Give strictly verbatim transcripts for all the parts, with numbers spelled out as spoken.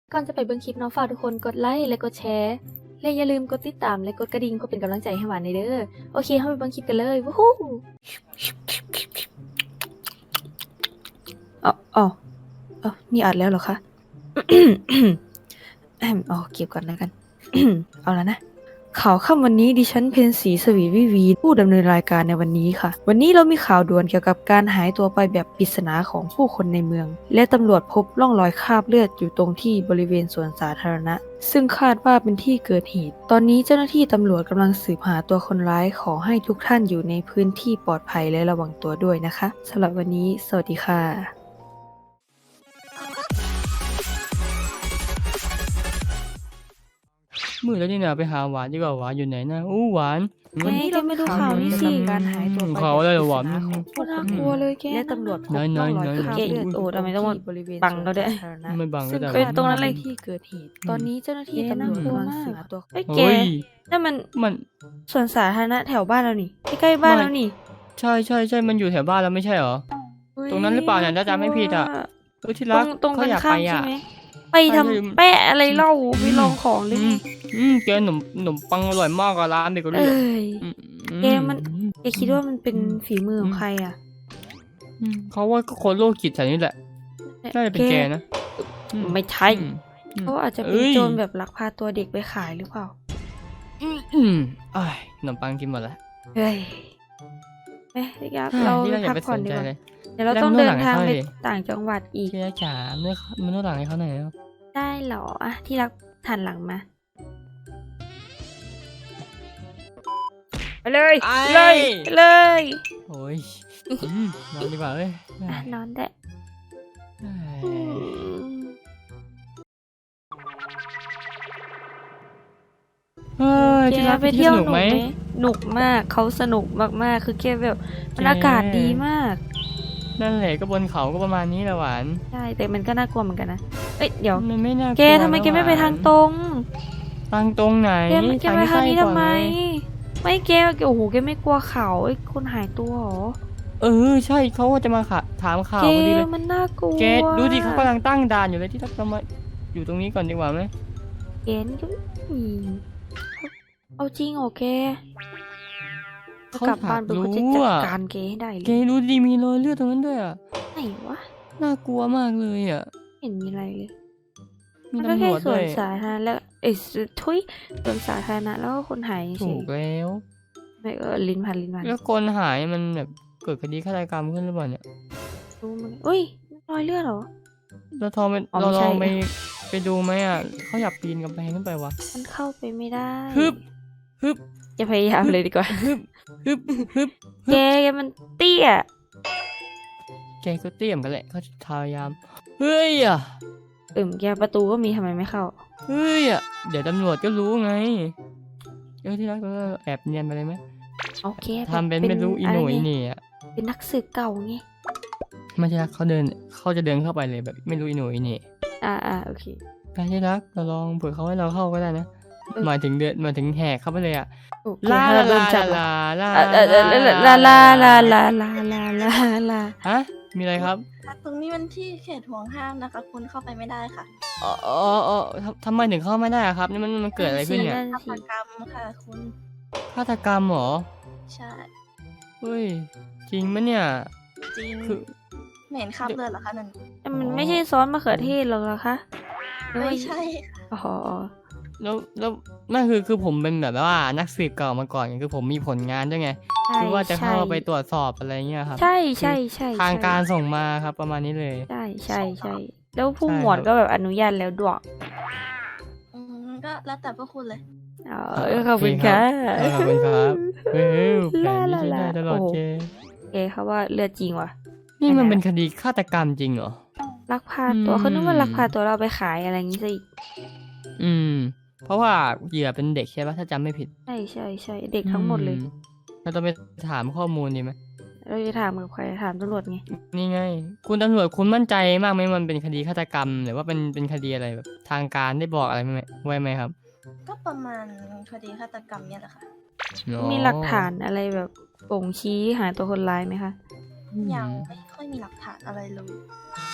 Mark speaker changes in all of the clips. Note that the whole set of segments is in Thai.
Speaker 1: ก่อนจะไปเบิ่งคลิปเนาะฝากทุกคนกดไลค์และกดแชร์และอย่าลืมกดติดตามและกดกระดิ่งเพื่อเป็นกำลังใจให้หวานในเด้อโอเคเข้าไปเบิ่งคลิปกันเลยวู้ฮู้อ๋ออ๋ออ๋อนี่อัดแล้วเหรอคะ อ๋อเก็บก่อนแล้วกัน เอาแล้วนะข่าวค่ำวันนี้ดิฉันเพนสีสวีวิวีผู้ดำเนินรายการในวันนี้ค่ะวันนี้เรามีข่าวด่วนเกี่ยวกับการหายตัวไปแบบปริศนาของผู้คนในเมืองและตำรวจพบร่องรอยคราบเลือดอยู่ตรงที่บริเวณสวนสาธารณะซึ่งคาดว่าเป็นที่เกิดเหตุตอนนี้เจ้าหน้าที่ตำรวจกำลังสืบหาตัวคนร้ายขอให้ทุกท่านอยู่ในพื้นที่ปลอดภัยและระวังตัวด้วยนะคะสำหรับวันนี้สวัสดีค่ะ
Speaker 2: มือแล้วนี่นะไปหาหวานดีกว่าหวานอยู่ไหนนะอู้หวาน
Speaker 1: วันนี้เราไม่ดูข่าวนี่สิการหายตัวไป
Speaker 2: ข่าวอะไรเหรอหวาน
Speaker 1: โคตรน่ากลัวเลยแกและตำรวจพบร่องรอยคราบเลือดโอ้ทำไมต้องมาบังเราด้วย
Speaker 2: ไม่บังก็
Speaker 1: ซึ่ง
Speaker 2: ได้
Speaker 1: เป็นตรงนั้นเลยที่เกิดเหตุตอนนี้เจ้าหน้าที่ตำรวจกำลังสืบหาตัวไอ้แก
Speaker 2: เฮ้ย
Speaker 1: นั่นมัน
Speaker 2: มัน
Speaker 1: สวนสาธารณะแถวบ้านเรานี่ใกล้ๆบ้านเรานี่
Speaker 2: ใช่ใช่ใช่มันอยู่แถวบ้านแล้วไม่ใช่เหรอ ตรงนั้นหรือเปล่าเนี่ยถ้าจำไม่ผิดอะ เออที่
Speaker 1: ตร
Speaker 2: รัก
Speaker 1: งตรง
Speaker 2: เขา
Speaker 1: กัน
Speaker 2: อยาก
Speaker 1: ข้า
Speaker 2: ไป
Speaker 1: มใช่
Speaker 2: อ่ะ
Speaker 1: ไหมไป
Speaker 2: ใช่
Speaker 1: ทำแปะอะไรเล่าไปลองของหรือ
Speaker 2: อื
Speaker 1: ไง
Speaker 2: มอืมแกขนมขนมปังอร่อยมากอะร้านเบเกอ
Speaker 1: เอ้
Speaker 2: รี่อะ
Speaker 1: ย
Speaker 2: อืม
Speaker 1: แกมัน แกคิดว่ามันเป็นฝีมือของใครอ่ะ
Speaker 2: อืมเขาว่าก็คนโรคจิตแถวนี้แหละน่าจะเป็นแกนะอื
Speaker 1: ไม่ใช่
Speaker 2: อืมอืม
Speaker 1: เขาอาจจะเป็น
Speaker 2: เอ้ย
Speaker 1: โจรแบบลักพาตัวเด็กไปขายหรือเปล่า
Speaker 2: อืมอืมอ้ายขนมปังกินหมดแล้ว
Speaker 1: เฮ้ยเอ๊ะพี่ครับ
Speaker 2: อ้ย
Speaker 1: เรา
Speaker 2: ที่เราอย่า
Speaker 1: พัก
Speaker 2: ไป
Speaker 1: ผ่
Speaker 2: ส
Speaker 1: อน
Speaker 2: น
Speaker 1: ดี
Speaker 2: ใจ
Speaker 1: กว่า
Speaker 2: เลย
Speaker 1: เดี๋ยวเรา
Speaker 2: แล้ว
Speaker 1: ต้อง
Speaker 2: นวด
Speaker 1: เดิ
Speaker 2: หลั
Speaker 1: น
Speaker 2: งให้
Speaker 1: ทาง
Speaker 2: เขา
Speaker 1: ไป
Speaker 2: ดิ
Speaker 1: ต่างจังหวัดอีก
Speaker 2: ที่รักจ๋าเมื่อมันนวดหลังให้เขาหน่อยแล้ว
Speaker 1: ได้เหรออะที่รักหันหลังมาไปเลย
Speaker 2: ไป
Speaker 1: ไปเลยไปเลย
Speaker 2: โอ้ยอืมนอนดีกว่าเอ้ย
Speaker 1: อ่ะนอนได้
Speaker 2: เอ้ย
Speaker 1: อืม
Speaker 2: เฮ้ยที่รัก
Speaker 1: แกไปเที่ยว
Speaker 2: ส
Speaker 1: ห
Speaker 2: นุ
Speaker 1: นุ
Speaker 2: ก
Speaker 1: ก
Speaker 2: ไห
Speaker 1: ไห
Speaker 2: ม
Speaker 1: มหนุกมากเขาสนุกมากๆคือแกแบบมัน
Speaker 2: แก
Speaker 1: อากาศดีมาก
Speaker 2: นั่นแหละก็บนเขาก็ประมาณนี้แหละหวาน
Speaker 1: ใช่แต่มันก็น่ากลัวเหมือนกันนะเอ้ยเดี๋ยว
Speaker 2: มันไม่น่ากลัว
Speaker 1: แกทำไมแกไม่ไปทางตรง
Speaker 2: ทางตรงไหน
Speaker 1: แกแกไปทางนี้
Speaker 2: ใกล้
Speaker 1: ทำ
Speaker 2: กว่
Speaker 1: ไม
Speaker 2: เลย
Speaker 1: ไม่แกโอ้โหแกไม่กลัวเขาไอ้ยคนหายตัวเหรอ
Speaker 2: เออใช่เขาว่าจะมาค่ะถามข่าว
Speaker 1: แก
Speaker 2: พอดีเลย
Speaker 1: มันน่ากลัว
Speaker 2: แกดูดิเขากำลังตั้งด่านอยู่เลยที่รักเรามาอยู่ตรงนี้ก่อนดีกว่าไหม
Speaker 1: แกนี่ก็อืมเอาจริงเหรอแก
Speaker 2: เขา
Speaker 1: กลับ
Speaker 2: อยา
Speaker 1: บ้าน
Speaker 2: ก
Speaker 1: ไปก็
Speaker 2: รู้
Speaker 1: จะจัด
Speaker 2: อ่ะ
Speaker 1: การแกให้ได้เล
Speaker 2: แก
Speaker 1: ย
Speaker 2: ดูดิมีรอยเลือดตรงนั้นด้วยอ่ะ
Speaker 1: ไหนวะ
Speaker 2: น่ากลัวมากเลยอ่ะ
Speaker 1: ไม่เห็นมีอะไรเลย
Speaker 2: มี
Speaker 1: มันก็
Speaker 2: ตำร
Speaker 1: แค่
Speaker 2: วจ
Speaker 1: ส
Speaker 2: ด้
Speaker 1: ว
Speaker 2: วน ย
Speaker 1: สาธารณะแล้วเอ้ยทุยสวนสาธารณะแล้วก็คนหายเฉ
Speaker 2: ถู
Speaker 1: ย
Speaker 2: กแล้ว
Speaker 1: ไม่เออลิ้นพันลิ้นพัน
Speaker 2: แล้วคนหายมันแบบเกิดคดีฆาตกรรมขึ้นหรือเปล่าเนี่ย
Speaker 1: รู้มันอุ้ยรอยเลือดเหรอ
Speaker 2: เราทองไป
Speaker 1: อ๋อ
Speaker 2: เรา
Speaker 1: ไม่
Speaker 2: ล
Speaker 1: ใช่
Speaker 2: องไปไปดูไหมอ่ะเขาอยากปีนกำแพงขึ้นไปวะ
Speaker 1: มันเข้าไปไม่ได้
Speaker 2: ฮึบฮึบ
Speaker 1: อย่าพยายามเลยดีกว่า
Speaker 2: ฮึบฮึบฮึบ
Speaker 1: แกแกมันเตี้ย
Speaker 2: แกก็เตรียมกันแหละเขาจะพยายามเฮ้ยอ่ะ
Speaker 1: เอิ่มแกประตูก็มีทำไมไม่เข้า
Speaker 2: เฮ้ยอ่ะเดี๋ยวตำรวจก็รู้ไงเออที่รักเราแอบเนียนไปเลยไหม
Speaker 1: โอเค
Speaker 2: ทำเป็นไม่รู้อีโหน่อีเหน่อะ
Speaker 1: เป็นนักสืบเก่าไง
Speaker 2: ไม่ใช่รักเขาเดินเขาจะเดินเข้าไปเลยแบบไม่รู้อีโหน่อีเหน่
Speaker 1: อ่าอ่าโอเค
Speaker 2: ไปที่รักเราลองเผื่อเขาให้เราเข้าก็ได้นะ
Speaker 1: เออ
Speaker 2: หมายถึงเดินหมายถึงแหกเข้าไปเลยอ่ะ
Speaker 1: โอเค
Speaker 2: ลา
Speaker 1: ถ้าเราโด
Speaker 2: ลาน
Speaker 1: จับ
Speaker 2: ลาลา
Speaker 1: เออเออเออเออลาลาลาลาลาลาลาลา
Speaker 2: ฮะมีอะไรครับ
Speaker 3: ตรงนี้มันที่เขตห่วงห้ามนะคะ คุณเข้าไปไม่ได้ค่ะ
Speaker 2: อ๋ออ๋ออ๋อทำทำไมถึงเข้าไม่ได้อะครับนี่มันมันเกิดอะไรขึ้นเนี่ย
Speaker 1: นั่น
Speaker 3: ฆา
Speaker 1: สิ
Speaker 3: ตกรรมค่ะคุณ
Speaker 2: ฆาตกรรมเหรอ
Speaker 3: ใช่
Speaker 2: เฮ้ยจริงมะเนี่ย
Speaker 3: จริง
Speaker 2: คือ
Speaker 3: ไม่เห็นคราบเลือดเหรอคะนั่น
Speaker 1: แต่มันไม่ใช่ซอสมะเขือเทศหรอกเหรอคะหรือว่า
Speaker 3: ไม่ใช่ค่ะ
Speaker 1: อ๋ออ๋อ
Speaker 2: แล้วแล้วนั่นคือคือผมเป็นแบบว่านักสืบเก่ามาก่อนไงคือผมมีผลงานด้วยไง
Speaker 1: ใช่
Speaker 2: คือว่าจะเข้า
Speaker 1: ใช่
Speaker 2: ไปตรวจสอบอะไรเงี้ยครับ
Speaker 1: ใช่ใช่ใช่
Speaker 2: ทางการส่งมาครับประมาณนี้เลย
Speaker 1: ใช่ใช่ใช่แล้วผู้
Speaker 2: ใช่
Speaker 1: หมวด
Speaker 2: ครับ
Speaker 1: ก็แบบอนุญาตแล้วด้วย
Speaker 3: อืมก็แล้วแต่พวกคุณเลย
Speaker 1: อ๋อขอบคุณค่ะ
Speaker 2: เออขอบคุณครับเฮ้ยแผ
Speaker 1: ลาน
Speaker 2: นี้
Speaker 1: ลา
Speaker 2: ใช้
Speaker 1: ลา
Speaker 2: ได้ตลอด
Speaker 1: โอ้
Speaker 2: เจ
Speaker 1: เอเขาว่าเลือดจริงว่ะ
Speaker 2: นี่มัน
Speaker 1: ไหนๆ
Speaker 2: เป็นคดีฆาตกรรมจริงเหรอ
Speaker 1: ลักพาตัว
Speaker 2: อืม
Speaker 1: เขานึกว่าลักพาตัวเราไปขายอะไรอย่างงี้ซะอีก
Speaker 2: อืม เพราะว่าเหยื่อเป็นเด็กใช่ปะถ้าจำไม่ผิด
Speaker 1: ใช่ใช่ใช่เด็กทั้งหมดเลย
Speaker 2: อืเราต้องไปถามข้อมูลดีไหม
Speaker 1: เราจะถามกับใครถามตำรวจไง
Speaker 2: นี่ไง คุณตำรวจคุณมั่นใจมากไหมมันเป็นคดีฆาตกรรมหรือว่าเป็นเป็นคดีอะไรแบบทางการได้บอกอะไรไหมไว้ไหมครับ
Speaker 3: ก็ประมาณคดีฆาตกรรมเนี่ยแหละค่ะ
Speaker 2: อ๋อ
Speaker 1: มีหลักฐานอะไรแบบบ่งชี้หาตัวคนร้ายไหมคะ
Speaker 3: ยังไม่ค่อยมีหลักฐานอะไรเลย
Speaker 2: อ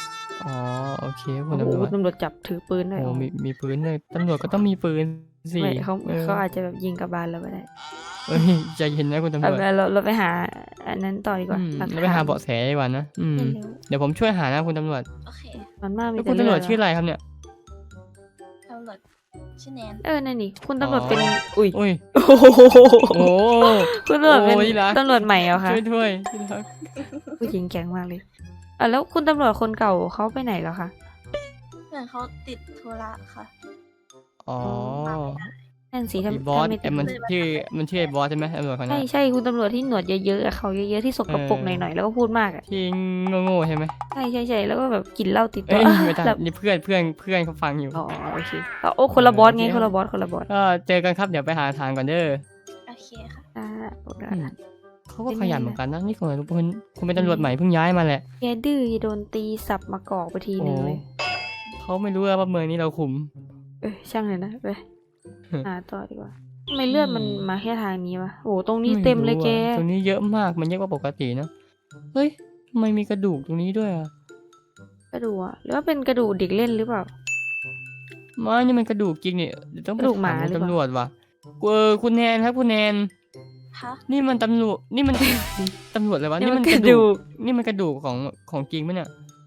Speaker 2: อ๋อโอเคคุ
Speaker 1: โอ้
Speaker 2: ณ
Speaker 1: โห
Speaker 2: ตำรวจ
Speaker 1: ตำรวจจับถือปืนด้วย
Speaker 2: โอ้
Speaker 1: อ๋อ
Speaker 2: มีมีปืนเลยตำรวจก็ต้องมีปืนสิ
Speaker 1: ไม่เขา
Speaker 2: ออ
Speaker 1: เขาอาจจะแบบยิงกลับบานเราไปได้
Speaker 2: เอ้ยใจเย็นนะคุณตำร
Speaker 1: เอา
Speaker 2: วจ
Speaker 1: เราเราไปหาอันนั้นต่อดีกว่า
Speaker 2: อืม
Speaker 1: หลัก
Speaker 2: แล้วไปหา
Speaker 1: ฐน
Speaker 2: เบาะแสดีกว่านะอืม
Speaker 1: เร็ว
Speaker 2: เดี๋ยวผมช่วยหานะคุณตำรวจ
Speaker 3: โอเค
Speaker 1: มันมากมี
Speaker 2: แล้ว
Speaker 1: แต่
Speaker 2: คุณตำรวจ
Speaker 1: เลืด
Speaker 2: ชื่ออะไรครับเนี่ย
Speaker 3: ตำรวจชื่อแนน
Speaker 1: เออนั่นนี่คุณตำรวจ
Speaker 2: อ๋อ
Speaker 1: เป็นอุ้ย
Speaker 2: อุ้ย
Speaker 1: โอ้โห
Speaker 2: โอ้
Speaker 1: คุณตำรวจเป็น
Speaker 2: โอ้ยรัก
Speaker 1: ตำรวจใหม่เหรอคะ
Speaker 2: ช่วยด้วยที่รัก
Speaker 1: ผู้หญิงแข็งมากเลยอ่ะแล้วคุณตำรวจคนเก่าเขาไปไหนแล้วคะ
Speaker 3: เหมือนเขาติดธุระค่ะ
Speaker 2: อ๋อ
Speaker 1: นั่นสิ
Speaker 2: ไอ้
Speaker 1: ทำ
Speaker 2: บอส
Speaker 1: ทำไม่
Speaker 2: ไอ้มันชื่อมันชื่อไอ้บอสใช่ไหมตำรวจคนนั้
Speaker 1: ใช่
Speaker 2: น
Speaker 1: ใช่คุณตำรวจที่หนวดเยอะๆอะเขาเยอะๆที่สกปรก
Speaker 2: เออ
Speaker 1: หน่อยๆแล้วก็พูดมากอ่ะ
Speaker 2: ที่โง่ๆใช่ไหม
Speaker 1: ใช่ใช่ใช่แล้วก็แบบกินเหล้าติดตั
Speaker 2: เอ้
Speaker 1: วย
Speaker 2: ไม่ได้
Speaker 1: แบบ
Speaker 2: นี่เพื่อนเพื่อนเพื่อนเขาฟังอยู่
Speaker 1: อ๋อโอเคเอาโอ้คนละบอสไง
Speaker 2: โอเค
Speaker 1: คนละบอสคนละบอส
Speaker 2: ก็เจอกันครับเดี๋ยวไปหาทางก่อนเด้อ
Speaker 3: โอเคค่ะ
Speaker 1: อ่าโอเค
Speaker 2: อืมเขาก็ขยันเหมือนกันนะนี่คุณคุณคุณเป็นตำรวจใหม่เพิ่งย้ายมาแหละ
Speaker 1: แกดื้ออย่าโดนตีสับมากอกไปทีนึงเลย
Speaker 2: เขาไม่รู้ว่าเมืองนี้เราคุม
Speaker 1: เอ้ยช่างเลยนะไป
Speaker 2: ฮึ
Speaker 1: หาต่อดีกว่าทำไมเลือดมัน
Speaker 2: อืม
Speaker 1: มาแค่ทางนี้วะโอ้ตรงนี้เต็มเลยแก
Speaker 2: ไรู้อะตรงนี้เยอะมากมันเยอะกว่าปกตินะเฮ้ยทำไมมีกระดูกตรงนี้ด้วยอ่ะ
Speaker 1: กระดูกอะหรือว่าเป็นกระดูกเด็กเล่นหรือเปล่า
Speaker 2: ไม่นี่มันกระดูกจริงเนี่ยเดี๋ยวต้องไป
Speaker 1: กระดูกหมา
Speaker 2: ถาม
Speaker 1: หรือเปล่า
Speaker 2: ตำรวจว่ะเออคุณแนนครับคุณแนน
Speaker 3: ฮะ
Speaker 2: นี่มันตำรวจนี่มัน ตำรวจเลยวะ
Speaker 1: นี่
Speaker 2: นี่
Speaker 1: มั
Speaker 2: มัน น
Speaker 1: ก
Speaker 2: ก
Speaker 1: ระ
Speaker 2: ระ
Speaker 1: ดู
Speaker 2: ดู
Speaker 1: ก
Speaker 2: กนี่มันกระดูกของของจริงปะเนี่ย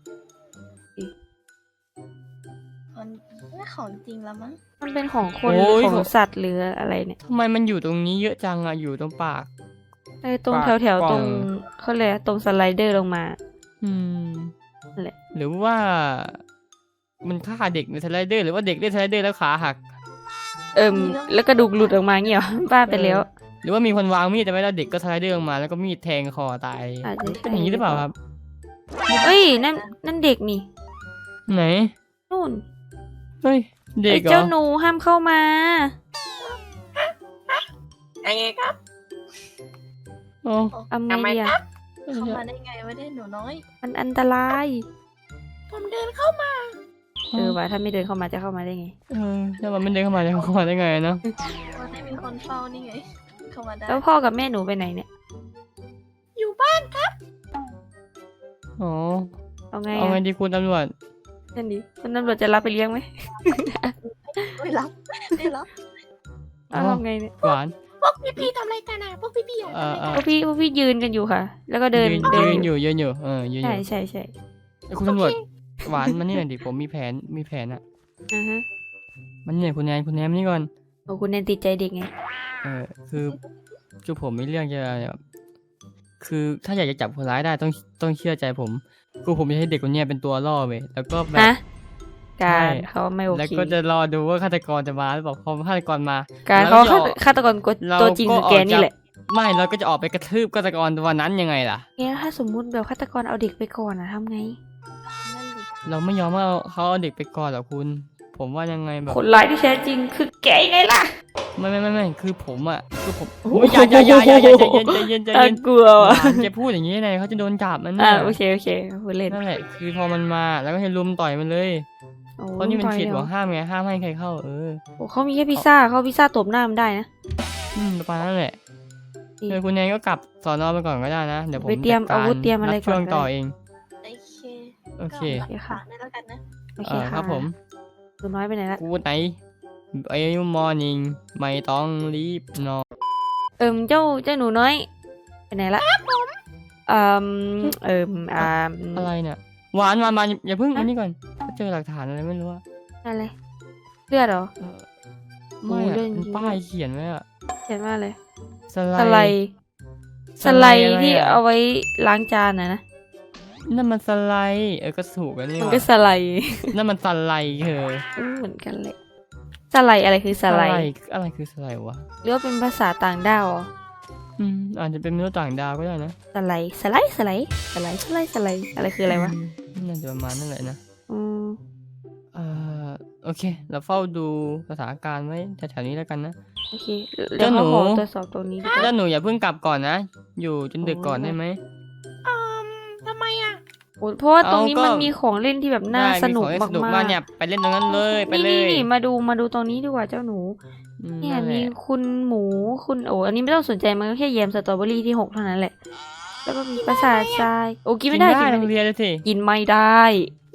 Speaker 3: มันไม่ของจริงแล้วมั้ง
Speaker 1: มันเป็นของคนหรือของสัตว์หรืออะไรเนี่ย
Speaker 2: ทำไมมันอยู่ตรงนี้เยอะจังอ่ะอยู่ตรงปาก
Speaker 1: เออตรง
Speaker 2: ปาก
Speaker 1: แถวแถว
Speaker 2: กล่อง
Speaker 1: ตรงเขาเลยกอะไรตรงสไลเดอร์ลงมา
Speaker 2: อืม
Speaker 1: นั่นแหละ
Speaker 2: หรือว่า มันฆ่าเด็กในสไลเดอร์หรือว่าเด็กเล่นสไลเดอร์แล้วขาหัก
Speaker 1: เอิมแล้วกระดูกหลุดออกมาเงี้ยเหรอ บ้าไปแล้ว
Speaker 2: หรือว่ามีคนวางมีดแต่ไม่แล้วเด็กก็สไลเดอร์ลงมาแล้วก็มีดแทงคอตาย
Speaker 1: อาจจะ
Speaker 2: เป็นอย่างนี้หรือเปล่าครับ
Speaker 1: เอ้ยนั่นนั่นเด็กนี่
Speaker 2: ไหน
Speaker 1: นู่น
Speaker 2: เฮ้ยเด็
Speaker 1: ไอ้
Speaker 2: กเหร
Speaker 1: เจ้า
Speaker 2: อ
Speaker 1: หนูห้ามเข้ามา
Speaker 3: ไงครับ
Speaker 2: โอ้
Speaker 1: ทำไงดีอะ
Speaker 3: เข้ามาได้ไงวะเนี่ยหนูน้อย
Speaker 1: มันอันตราย
Speaker 3: ผมเดินเข้ามา
Speaker 1: เออว่ะถ้าไม่เดินเข้ามาจะเข้ามาได้ไง
Speaker 2: เออถ้ามันไม่เดินเข้ามาจะเข้ามาได้ไงเนาะ
Speaker 3: ว่าได้มีคนเฝ้านี่ไง เข้ามาได้
Speaker 1: แล้วพ่อกับแม่หนูไปไหนเนี่ย
Speaker 3: อยู่บ้าน
Speaker 2: อ๋อ
Speaker 1: เอาไง
Speaker 2: เอาไง
Speaker 1: อะ
Speaker 2: ดีคุณตำรวจ
Speaker 1: นั่นดิคุณตำรวจจะรับไปเลี้ยงไหม
Speaker 3: ไม่รับไม่รับ
Speaker 1: เอาทำไงเนี่ย
Speaker 2: หวาน
Speaker 3: พวกพี่ๆทำอะไรกันอ่ะพวกพี่ๆอ่ะ
Speaker 2: เออเออ
Speaker 1: พวกพี่พวกพี่ยืนกันอยู่ค่ะ แล้วก็เดิน
Speaker 2: ยืน
Speaker 1: เดิ
Speaker 2: ยื
Speaker 1: น
Speaker 2: นอยู่ยืนอยู่เออยืนอ
Speaker 1: ใช่
Speaker 2: ยู่
Speaker 1: ใช่ใช่
Speaker 2: ไอ้คุณตำรวจหวานมันนี่หน่อยดิผมมีแผนมีแผนอะ
Speaker 1: อ่าฮะ
Speaker 2: มันนี่หน่อยคุณแนนคุณแนนมานี่ก่อน
Speaker 1: โอ้คุณแนนติดใจเด็กไง
Speaker 2: เออคือคือผมมีเรื่องจะแบบคือถ้าอยากจะจับคนร้ายได้ต้องต้องเชื่อใจผมคือผมจะให้เด็กคนเนี้ยเป็นตัวล่อเว้ยแล้วก็แบบ
Speaker 1: ฮะ การ
Speaker 2: ใช่
Speaker 1: เขาไม่โอ
Speaker 2: แล้ว
Speaker 1: เค
Speaker 2: ก็จะรอดูว่าฆาตกรจะมาหรือเปล่าพอฆาตกรมา
Speaker 1: การ
Speaker 2: แล้ว
Speaker 1: เขา
Speaker 2: จะ
Speaker 1: ฆา
Speaker 2: อ
Speaker 1: ต
Speaker 2: อก
Speaker 1: ฆาตกรกด
Speaker 2: เรา
Speaker 1: ตัวจริงคือแก
Speaker 2: ก็ออก
Speaker 1: นี่
Speaker 2: จาก
Speaker 1: แหละ
Speaker 2: ไม่เราก็จะออกไปกระทืบฆาตกรตัวนั้นยังไงล่ะ
Speaker 1: แกถ้าสมมุติแบบฆาตกรเอาเด็กไปก่อนอะทำไง
Speaker 3: นั่นดิ
Speaker 2: เราไม่ยอมว่าเขาเอาเด็กไปก่อนหรอกคุณ ผมว่ายังไงแบบ
Speaker 1: คนร้ายที่แท้จริงคือแกไงล่ะ
Speaker 2: ไม่ไม่ไม่ไม่คือผมอ่ะคือผม
Speaker 1: โอ้โห
Speaker 2: โอ้ยอย่าอย่าอย่าอย่าอย่าใจเย็นใจเย็นใจ
Speaker 1: น่า
Speaker 2: เย็น
Speaker 1: กลัว
Speaker 2: ห
Speaker 1: ว่ะ
Speaker 2: วานจะพูดอย่างนี้ไงเขาจะโดนจับมัน
Speaker 1: อ่า
Speaker 2: น่ะ
Speaker 1: โอเคโอเคพูดเล่น
Speaker 2: นั่นแหละคือพอมันมาแล้วก็ให้ลุมต่อยมันเลย
Speaker 1: โอ้
Speaker 2: เพราะนี่มัน
Speaker 1: ต่อย
Speaker 2: เขต
Speaker 1: เหร
Speaker 2: หั
Speaker 1: อ
Speaker 2: วห้ามไงห้ามให้ใครเข้าเออ
Speaker 1: โอ้เขามีแค่พิซซ่าเขาพิซซ่าตบหน้ามันได้นะ
Speaker 2: อืมประมาณนั้นแหละ
Speaker 1: ดี
Speaker 2: เออคุณแนนก็กลับสอนอไปก่อนก็ได้นะเดี๋ยวผม
Speaker 1: ไปเตรียม
Speaker 2: จัดก
Speaker 1: อาวุธเตรียมอะไร
Speaker 2: บช่วง
Speaker 1: ก่อนก็ได้
Speaker 2: ต่อเอง
Speaker 3: โอเค
Speaker 2: โอเค
Speaker 3: ก็หลักฐานได้แล้วกันนะ
Speaker 1: โอ
Speaker 2: เอ
Speaker 1: เค
Speaker 2: อ
Speaker 1: ค่ะ
Speaker 2: ครับผม
Speaker 1: หนูน้อยไปไหนละ
Speaker 2: กูไหนไอ้มอร์นิ่งไม่ต้องรีบนอน
Speaker 1: เอิมเจ้าเจ้าหนูน้อยไปไหนละเอิมเอิมอ่า
Speaker 2: อะไรเนี่ยหวานหวานหวานอย่าเพิ่ง
Speaker 1: ฮะ
Speaker 2: อันนี้ก่อนเจอหลักฐานอะไรไม่รู้อะ
Speaker 1: อะไรเลือดเหรอ
Speaker 2: เออไม่
Speaker 1: โอ้
Speaker 2: อะ
Speaker 1: เรื่อง
Speaker 2: มัน
Speaker 1: จริง
Speaker 2: ป้ายเขียนไว้อะ
Speaker 1: เขียนว่าอะไร
Speaker 2: สไล
Speaker 1: สไล
Speaker 2: ด์
Speaker 1: ด์สไลด์
Speaker 2: อะไร
Speaker 1: ที่
Speaker 2: อะ
Speaker 1: เอาไว้ล้างจานนะนะ
Speaker 2: นั่นมันสไลด์เออก็ถูกแล้วนี่
Speaker 1: มัน
Speaker 2: ว่ะ
Speaker 1: ก็สไลด์
Speaker 2: นั่นมันสไลด์เธอ
Speaker 1: อืมเหมือนกันเลยสไลด์อะไรคือสไลด์
Speaker 2: อะไรคือสไลด์วะ
Speaker 1: หรือว่าเป็นภาษาต่างดาวเหรอ
Speaker 2: อืมอาจจะเป็นมนุษย์ต่างดาวก็ได้นะ
Speaker 1: สไลด์สไลด์สไลด์สไลด์สไลด์สไลด์อะไรคืออะไรวะ
Speaker 2: มน่าจะประมาณนั่นแหละนะ
Speaker 1: อืม
Speaker 2: เอ่อโอเค เราเฝ้าดูสถานการณ์ไว้แถวๆนี้แล้วกันนะ
Speaker 1: โอเคเดี๋ยว
Speaker 2: เจ้าหนู
Speaker 1: เขาขอตรวจสอบตรงนี้ดีกว่า
Speaker 2: แล้วหนูอย่าเพิ่งกลับก่อนนะ อยู่จนดึกก่อน
Speaker 1: โอ้ย
Speaker 2: ได้ไหม
Speaker 3: อืมทำไมอ่ะ
Speaker 1: โอ้ยเพราะว่าตรงนี้
Speaker 2: เอาก็
Speaker 1: มันมีของเล่นที่แบบน่า
Speaker 2: ได้
Speaker 1: สนุก
Speaker 2: มีของเล่นสนุก
Speaker 1: มาก
Speaker 2: มาก
Speaker 1: ๆ
Speaker 2: เนี่ยไปเล่นตรงนั้นเลยไปเล
Speaker 1: นี่
Speaker 2: ย
Speaker 1: นี่มาดูมาดูตรงนี้ดีกว่าเจ้าหนู
Speaker 2: อืม
Speaker 1: เนี่ย
Speaker 2: นั่นแห
Speaker 1: มี
Speaker 2: ละ
Speaker 1: คุณหมูคุณโอ้อันนี้ไม่ต้องสนใจมันก็แค่แยมสตรอเบอรี่ที่หกเท่านั้นแหละ แล้วก็มีประสาททรายโอ้กินไม่ได้กิน
Speaker 2: โร
Speaker 1: ไม่
Speaker 2: ง
Speaker 1: ได้
Speaker 2: เรียนเลยสิ
Speaker 1: กินไม่ได้
Speaker 3: อ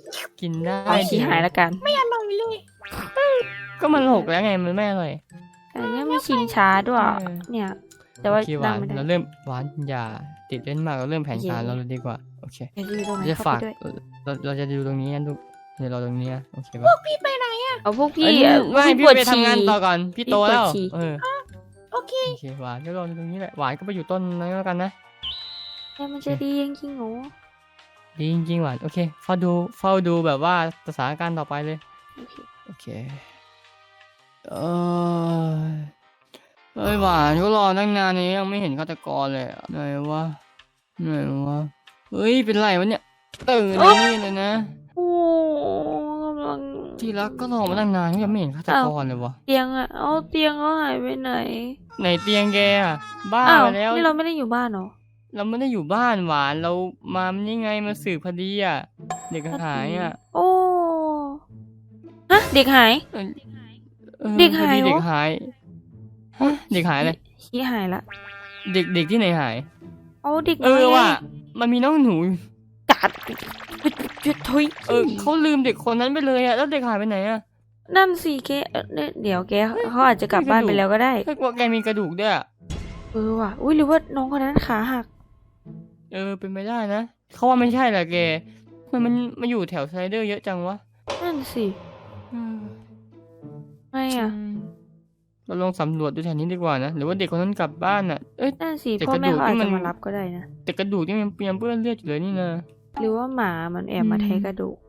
Speaker 2: กินได้
Speaker 1: เอาชี้หายแล้วกัน
Speaker 3: ไม่อร่อยเลย
Speaker 2: ก็มันหกแล้วไงมันไม่อร่อย
Speaker 1: แต่เนี่ยมีชิงช้าด้วย
Speaker 2: เออ
Speaker 1: เนี่ย แต่ว่า
Speaker 2: โอเคห
Speaker 1: นั่
Speaker 2: วาง น
Speaker 1: ไม่ได้
Speaker 2: เราเริ่มหวานอย่าติดเล่นมากเราเริ่มแผนการเราเลยดีกว่าโอเค
Speaker 1: เดี๋ยวจะอยู่ตรงไหน
Speaker 2: จะ
Speaker 1: เข้า
Speaker 2: ฝาก
Speaker 1: ไปด้วย
Speaker 2: เราเราจะดูตรงนี้นะลูกเดี๋ยวเราตรงนี้นะโอเคปะ
Speaker 3: พี่ไปไหนอ่ะ
Speaker 1: เอาพวกพี่
Speaker 2: เอ้ย
Speaker 1: เอ่อ
Speaker 2: ไม่
Speaker 1: พี่
Speaker 2: พี่
Speaker 1: ปวด
Speaker 2: ไปทำ
Speaker 1: ฉี่
Speaker 2: งานต่อก่อนพี่โตแล้ว
Speaker 1: พี่ปวดฉี่
Speaker 2: เออ
Speaker 3: โอเค
Speaker 2: โอเคหวานก็รอตรงนี้แหละหวานก็ไปอยู่ต้นนั้นแล้วกันนะ
Speaker 1: แต่มันจะดีจริงๆเหรอ
Speaker 2: ดีจริงๆหวานโอเคเฝ้าดูเฝ้าดูแบบว่าสถานการณ์ต่อไปเลย
Speaker 1: โอเค
Speaker 2: โอเคเออเอ้ยหวานก็รอตั้งนานนี้ยังไม่เห็นฆาตกรเลยอะไหนวะไหนวะเฮ้ยเป็นไรวะเนี่ยตื่นนี่เลยนะ
Speaker 1: โอ้กำลัง
Speaker 2: ที่รักก็รอมาตั้งนานยังไม่เห็นฆาตกรเลยวะ
Speaker 1: เตียงอะเอาเตียงเขาหายไปไหน
Speaker 2: ไหนเตียงแกอะบ้า
Speaker 1: อ้าว
Speaker 2: ไปแล้ว
Speaker 1: นี่เราไม่ได้อยู่บ้านเหรอ
Speaker 2: เราไม่ได้อยู่บ้านหวานเรามานี่ไงมาสืบคดีอ่ะเด็กหายอ่ะ
Speaker 1: โอ้ฮะเด็กหาย
Speaker 2: เออออ
Speaker 1: เด็กหาย
Speaker 2: พอ
Speaker 1: เหรอ
Speaker 2: เด็กหายฮะเด็กหายอะไร
Speaker 1: ชี้หายละ
Speaker 2: เด็กเด็กที่ไหนหาย
Speaker 1: เอาเด็ก
Speaker 2: เออ
Speaker 1: น้ยไง
Speaker 2: ว่ะมันมีน้องหนู
Speaker 1: กัดจุดทุย
Speaker 2: เออเขาลืมเด็กคนนั้นไปเลยอ่ะแล้วเด็กหายไปไหนอ่ะ
Speaker 1: นั่นสิแกเอ่อเนี่ยเดี๋ยวแกเขาอาจจะกลับบ้านไปแล้วก็ได้
Speaker 2: แค่ว่าแกมีกระดูกด้วยอะ
Speaker 1: เออว่ะอุ้ยหรือว่าน้องคนนั้นขาหัก
Speaker 2: เออเป็นไปได้นะเขาว่าไม่ใช่แหละแกมันมันมาอยู่แถวสไลเดอร์เยอะจังวะ
Speaker 1: นั่นสิ
Speaker 2: อืม
Speaker 1: ไงอ่ะ
Speaker 2: อืมเราลองสำรวจดูแถวนี้ดีกว่านะหรือว่าเด็กคนนั้นกลับบ้านอ่ะเอ้ย
Speaker 1: นั่นสิ
Speaker 2: แต่
Speaker 1: พ่อก
Speaker 2: ระ
Speaker 1: แม่
Speaker 2: ดูก
Speaker 1: เขาอาจ
Speaker 2: ที่มั
Speaker 1: จะ
Speaker 2: น
Speaker 1: มารับก็ได้นะ
Speaker 2: แต่กระดูกที่มันยังเปื้อนเลือดอยู่เลยนี่นะ
Speaker 1: หรือว่าหมามันแอบมา
Speaker 2: อืม
Speaker 1: แทะกระดูก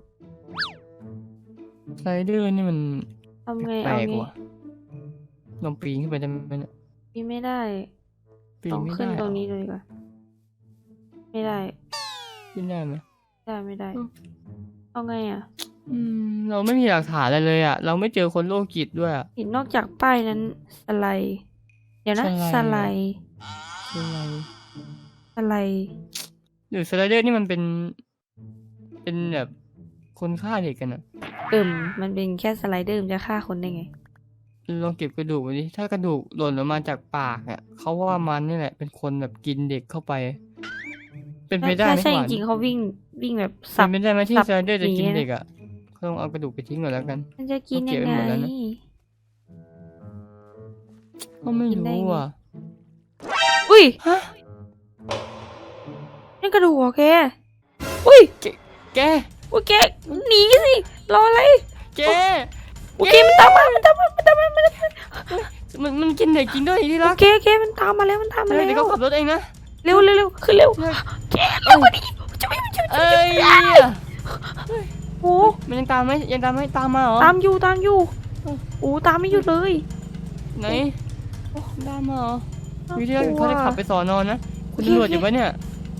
Speaker 2: สไลเดอร์นี่มัน
Speaker 1: ทำไง
Speaker 2: แปล
Speaker 1: เอา
Speaker 2: ก
Speaker 1: ไง
Speaker 2: ว่ะลองปีนขึ้นไปได้ไหมเนี่ย
Speaker 1: ปีนไม่ได้
Speaker 2: ปีน
Speaker 1: ต้อง
Speaker 2: ไม่
Speaker 1: ขึ้น
Speaker 2: ได้
Speaker 1: ตรง
Speaker 2: เหรอ
Speaker 1: นี้เลยดีกว่าไม่ได้
Speaker 2: ขึ้นได้ไหม
Speaker 1: ได้ไม่ได้
Speaker 2: อืม
Speaker 1: เอาไงอ่ะ
Speaker 2: อืมเราไม่มีหลักฐานอะไรเลยอ่ะ เราไม่เจอคนโรคจิตด้วยอ่ะ
Speaker 1: เห็นนอกจากป้ายนั้นสไลด์เดี๋ยวนะ
Speaker 2: ส
Speaker 1: ส
Speaker 2: ไล
Speaker 1: ไล
Speaker 2: ด์
Speaker 1: ด์
Speaker 2: คืออะไร
Speaker 1: สไลด์
Speaker 2: หรือสไลเดอร์นี่มันเป็น เป็นแบบคนฆ่าเด็กกันอ่ะ
Speaker 1: เอิ่มมันเป็นแค่สไลเดอร์มันจะฆ่าคนได้ไง
Speaker 2: ลองเก็บกระดูกไว้ดิถ้ากระดูกหล่นออกมาจากปากอ่ะเขาว่ามันนี่แหละ เป็นคนแบบกินเด็กเข้าไป เป็นไปได้ไหม
Speaker 1: ใช่
Speaker 2: ห
Speaker 1: จ
Speaker 2: วาน
Speaker 1: ริงๆเขาวิ่งวิ่งแบบ
Speaker 2: เป็
Speaker 1: สับ
Speaker 2: นไปได้ไหมที่
Speaker 1: สับ
Speaker 2: สไลเดอร์จะกิน
Speaker 1: หนีนะ
Speaker 2: เด็กอ่ะเขาต้องเอากระดูกไปทิ้งก่อนแล้วกัน
Speaker 1: มันจะกิน
Speaker 2: เขาเก็
Speaker 1: ยั
Speaker 2: บ
Speaker 1: ง
Speaker 2: ไว้
Speaker 1: ไง
Speaker 2: หมดแล้วนะ ก็ไม่
Speaker 1: กินได้
Speaker 2: รู้
Speaker 1: ไง
Speaker 2: อ่ะ
Speaker 1: อุ้ย
Speaker 2: ฮะ
Speaker 1: นี่กระดูกเหรอแกอุ้ย
Speaker 2: แก
Speaker 1: อุ้ยแกหนีสิรออะไร
Speaker 2: แก
Speaker 1: โอเคมันตามมามันตามมามันตามมามันตามมา
Speaker 2: มันมันกินเด็กกินด้วยที่
Speaker 1: โอ
Speaker 2: รัก
Speaker 1: เคโอเคมันตามมาแล้วมันตามมา
Speaker 2: เดี๋
Speaker 1: แล้
Speaker 2: ยวเขา
Speaker 1: ว
Speaker 2: ขับรถเองนะ
Speaker 1: เร็วเร็วเร็วขึ้นเร็ว
Speaker 2: เฮ้ย
Speaker 1: แกเร็วกว่านี้จะไม่จะไม่
Speaker 2: เอ้ย
Speaker 1: โอ้
Speaker 2: มันยังตามไหมยังตามไหมตามมาเหรอ
Speaker 1: ตามอยู่ตามอยู่โอ้ตามไม่หยุดเลย
Speaker 2: ไหนโอ้ตามมาเหรอ
Speaker 1: น่า
Speaker 2: วิธีการ
Speaker 1: กลัว
Speaker 2: เขาจะขับไปสอนอนนะคุณ
Speaker 1: โอเค
Speaker 2: ตำรวจอยู่ปะเนี่ย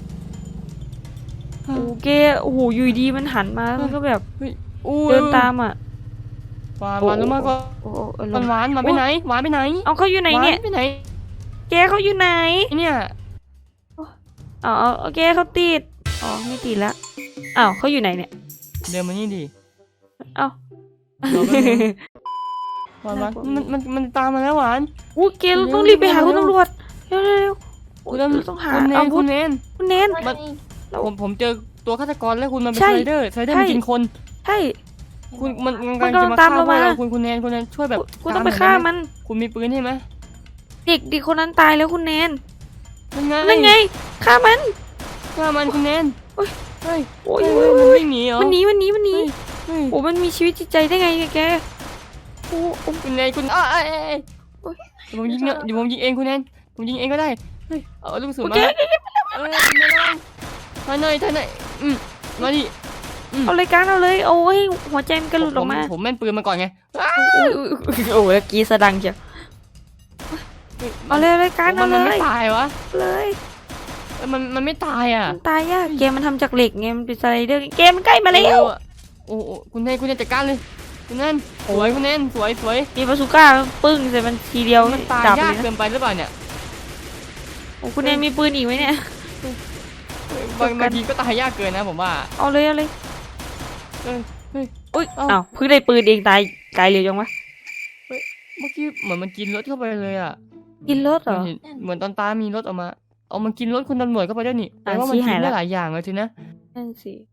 Speaker 1: โอ้แกโอ้โหอยู่ดีมันหันมามันก็แบบ
Speaker 2: อู้
Speaker 1: เดินตามอ่ะ
Speaker 2: หวานหวานลงมาก่อน
Speaker 1: โอ้โอ้เออ
Speaker 2: หวานหวานหวานไปไหนหวานไปไหน
Speaker 1: เอาเขาอยู่ไหนเนี่ย
Speaker 2: หวาไปไหน
Speaker 1: แกเขาอยู่ไหน
Speaker 2: เนี่ย
Speaker 1: อ๋อโอเคเขาติดอ๋อไม่ติดละอ้าวเขาอยู่ไหนเนี่ย
Speaker 2: เดินมานี่ดิ
Speaker 1: เอ้า
Speaker 2: รอแป๊บนึงหวานหวานมันมันมันตามมาแล้วหวาน
Speaker 1: อู้แกเราต้อง
Speaker 2: เร็ว
Speaker 1: รีบไปหา
Speaker 2: เร็ว
Speaker 1: คุณตำรวจเร็วเร็วเร็วโอ้
Speaker 2: คุณ
Speaker 1: ย
Speaker 2: ตำ
Speaker 1: เราต้องหา
Speaker 2: คุณเน
Speaker 1: อาน วุ
Speaker 2: คุ
Speaker 1: ธ
Speaker 2: ณเนน
Speaker 1: คุณเนน
Speaker 2: มัน ผมผมเจอตัวฆาตกรแล้วคุณมันเป็น
Speaker 1: ใช่
Speaker 2: สไลเดอร์สไลเดอร์มัน
Speaker 1: ใช่
Speaker 2: กินคน
Speaker 1: ใช่
Speaker 2: คุณมันมัน
Speaker 1: มัน
Speaker 2: กำลังจะมา
Speaker 1: กำลังตาม
Speaker 2: ฆ่า
Speaker 1: เรา
Speaker 2: พวกเรา
Speaker 1: มา
Speaker 2: คุณคุณแนนคุณแนนช่วยแบบ
Speaker 1: กูต้องไป
Speaker 2: ต
Speaker 1: ฆ่า
Speaker 2: หน่อยด้ห
Speaker 1: มัน
Speaker 2: คุณมีปืนใช่ไหม
Speaker 1: เด็กเด็กคนนั้นตายแล้วคุณแนน
Speaker 2: นั่นไง
Speaker 1: นั่นไงฆ่ามัน
Speaker 2: ฆ่ามันคุณแนน
Speaker 1: โอ๊ย
Speaker 2: เฮ้ย
Speaker 1: โอ้ย
Speaker 2: เฮ้ย
Speaker 1: โอ้ย
Speaker 2: มัน
Speaker 1: โอ้ย
Speaker 2: วิ่งหนีเหรอ
Speaker 1: มันหนีมันหนีมันหนี
Speaker 2: เฮ้ย
Speaker 1: โอ้มันมีชีวิตจิตใจได้ไงแกโอ้โอ้
Speaker 2: คุณแนนคุณอ้าวเอ้ยเอ้ยเอ้ย
Speaker 1: โอ๊ย
Speaker 2: เดี๋ยวผมยิงเนี่ยเดี๋ยวผมยิงเองคุณแนนผมยิงเองก็ได้เฮ้ยเอาลูกกระสุน
Speaker 1: โอ
Speaker 2: มา
Speaker 1: เค
Speaker 2: เอ้ยคุณแนนท่านหน่อยท่านหน่อยอืมมาดิ
Speaker 1: เอารายการเอาเลยโอ้ยหัวใจมันกระหลุดออกมา
Speaker 2: ผมผมแม่นปืนมาก่อนไง
Speaker 1: โอ้ยโอ้ยโอ้ยโอ้ยกรีดสะดังเชียวเอาเลยรายการ
Speaker 2: มั
Speaker 1: เอา
Speaker 2: น
Speaker 1: เล
Speaker 2: มันไม่
Speaker 1: ย
Speaker 2: ตายวะ
Speaker 1: เลย
Speaker 2: เอ้ยมันมันไม่ตายอ่ะ
Speaker 1: มันตายยากเกมมันทำจากเหล็กไงมันเป็นสไลเดอร์เกมมันใกล้มาแล้ว
Speaker 2: โอ้โหคุณแนนคุณแนนจัดการเลยคุณแนนสวยคุณแนนสวยสวย
Speaker 1: มีบาซูก้าปึ้งใส่มันทีเดียว
Speaker 2: มันตาย
Speaker 1: ดับ
Speaker 2: ยา
Speaker 1: เล
Speaker 2: ก
Speaker 1: ย
Speaker 2: เกิ
Speaker 1: นะ
Speaker 2: นไปหรือเปล่าเนี่ย
Speaker 1: โอ้คุณแนนมีปืนอีกไหมเนี่ย
Speaker 2: บางบางทีก็ตายยากเกินนะผมว่า
Speaker 1: เอาเลยเอาเลย
Speaker 2: เอ้ยเฮ้ย
Speaker 1: อุ้ย
Speaker 2: เอ้า
Speaker 1: อ้าวเพิ่งได้ปืนเองตายตายเร็วจังวะ
Speaker 2: เมื่อกี้เหมือนมันกินรถเข้าไปเลยอ่ะ
Speaker 1: กินรถเหรอ
Speaker 2: มันเห็นเหมือนตอนตามีรถออกมาเอามันกินรถคุณตำรวจเข้าไปด้วยนี่แปล
Speaker 1: อ่ะ
Speaker 2: ว่ามัน
Speaker 1: ชี้
Speaker 2: กิ
Speaker 1: หาย
Speaker 2: น
Speaker 1: แล้
Speaker 2: ได้
Speaker 1: ว
Speaker 2: หลายอย่างเลยทีนะ
Speaker 1: นั่นสิไป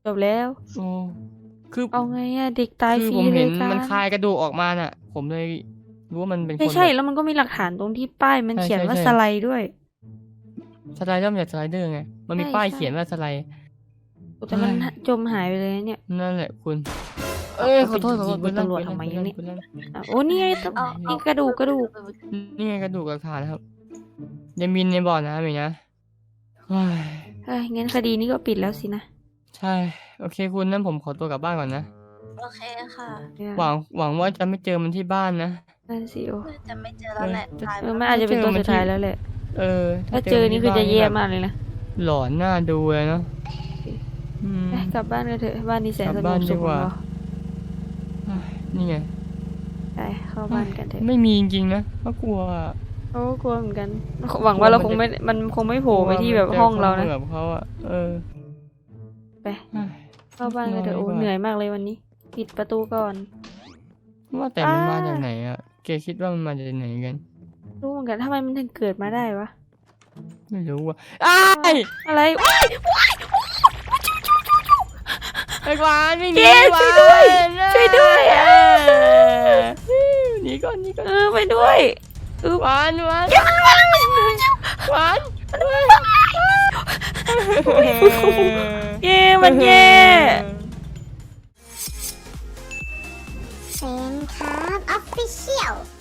Speaker 1: จบแล้ว
Speaker 2: โอ้คือ
Speaker 1: เอาไงอะเด็กตาย
Speaker 2: คื
Speaker 1: ฟ
Speaker 2: อ
Speaker 1: รี
Speaker 2: ผม
Speaker 1: เล
Speaker 2: เห็
Speaker 1: ย
Speaker 2: น
Speaker 1: กัน
Speaker 2: มันคายกระดูกออกมาน่ะ ผมเลยรู้ว่ามันเป็นคน
Speaker 1: ไม่ใช่
Speaker 2: แบบ
Speaker 1: แล้วมันก็มีหลักฐานตรงที่ป้ายมัน
Speaker 2: ใช่
Speaker 1: เขียนว่า
Speaker 2: ใช่
Speaker 1: สไลด์ด้วย
Speaker 2: สไลเดอร์มันจากสไลเดอร์ไงมันมี
Speaker 1: ใช่
Speaker 2: ป้าย
Speaker 1: ใช่
Speaker 2: เขียนว่าสไลด์
Speaker 1: แต่มัน
Speaker 2: เฮ้ย
Speaker 1: จมหายไปเลยนะเนี่ย
Speaker 2: นั่นแหละคุณ
Speaker 1: เอา
Speaker 2: เอ้ย
Speaker 1: เอา
Speaker 2: ขอโทษ
Speaker 1: ไป
Speaker 2: ขอโทษ
Speaker 1: ยิง
Speaker 2: ปืน
Speaker 1: ตำรวจ
Speaker 2: ลั่น
Speaker 1: ทำไม
Speaker 2: ปืน
Speaker 1: เนี่
Speaker 2: ลั่
Speaker 1: ย
Speaker 2: นปืนลั่น
Speaker 1: อ่ะโอ้นี่ไงต้อง
Speaker 3: เอา
Speaker 1: นี่
Speaker 3: เอา
Speaker 1: กระดูกกระดูก
Speaker 2: นี่ไงกระดูกหลักฐานนะครับยังมินในบ่อน้ำอีกนะเฮ้ย
Speaker 1: เอ้ยงั้นคดีนี้ก็ปิดแล้วสินะ
Speaker 2: ใช่ โอเคคุณนั่นผมขอตัวกลับบ้านก่อนนะ
Speaker 3: โอเคค่ะ
Speaker 2: หวังหวังว่าจะไม่เจอมันที่บ้านนะ
Speaker 1: นั่นสิโอ
Speaker 3: น่าจะไม่เจอแล้วแหละ
Speaker 2: เออ
Speaker 3: ตาย
Speaker 1: เอ
Speaker 3: ไป
Speaker 1: อ
Speaker 3: แล้ว
Speaker 1: มันอาจจะเป็นตัวสุดท้ายแล้วแหละ
Speaker 2: เออ
Speaker 1: ถ้าเจอนี่คือจะแย่มากเลยนะ
Speaker 2: หลอนหน้าดูเลยเนาะอืม
Speaker 1: ไปกลับบ้านกันเถอะบ้านนี้แสน
Speaker 2: กลับ
Speaker 1: สง
Speaker 2: บ้าน
Speaker 1: บ
Speaker 2: ดี
Speaker 1: สุข
Speaker 2: กว่า
Speaker 1: ของเรา
Speaker 2: เฮ้ยนี่ไง
Speaker 1: ไปเข้าบ้านกันเถอะ
Speaker 2: ไม่มีจริงๆนะเพราะกลัวอะ
Speaker 1: โอ้กลัวเหมือนกัน หวังว่าเราคงไม่มันคงไม่โผล่ไปที่แบบห้องเรานะ
Speaker 2: กลัวมัจขโมยแบบเขาอะเออ
Speaker 1: ไป
Speaker 2: เฮ้ย
Speaker 1: เข้าบ้านกันเถอะ
Speaker 2: นอนดี
Speaker 1: โอ้
Speaker 2: กว่า
Speaker 1: เหนื่อยมากเลยวันนี้ ปิดประตูก่อน
Speaker 2: ว่าแต่มัน
Speaker 1: อ่าม
Speaker 2: มาจากไหนอะเกคิดว่ามันมาจากไหนกัน
Speaker 1: รู้เหมือนกันทำไมมันถึงเกิดมาได้วะ
Speaker 2: ไม่รู้ว่ะอ้าย
Speaker 1: อะไร
Speaker 2: ไอ้หวานไม่หนี
Speaker 1: เจ๊ช่วยด้วย
Speaker 2: หาน
Speaker 1: ช่วยด้วยอะ
Speaker 2: หนีก่อนหนีก่อน
Speaker 1: เออไปด้วยอึ๊บ
Speaker 2: หวานหวานหวาน
Speaker 1: เย่มันแย่
Speaker 4: เซนครับออฟฟิเชียล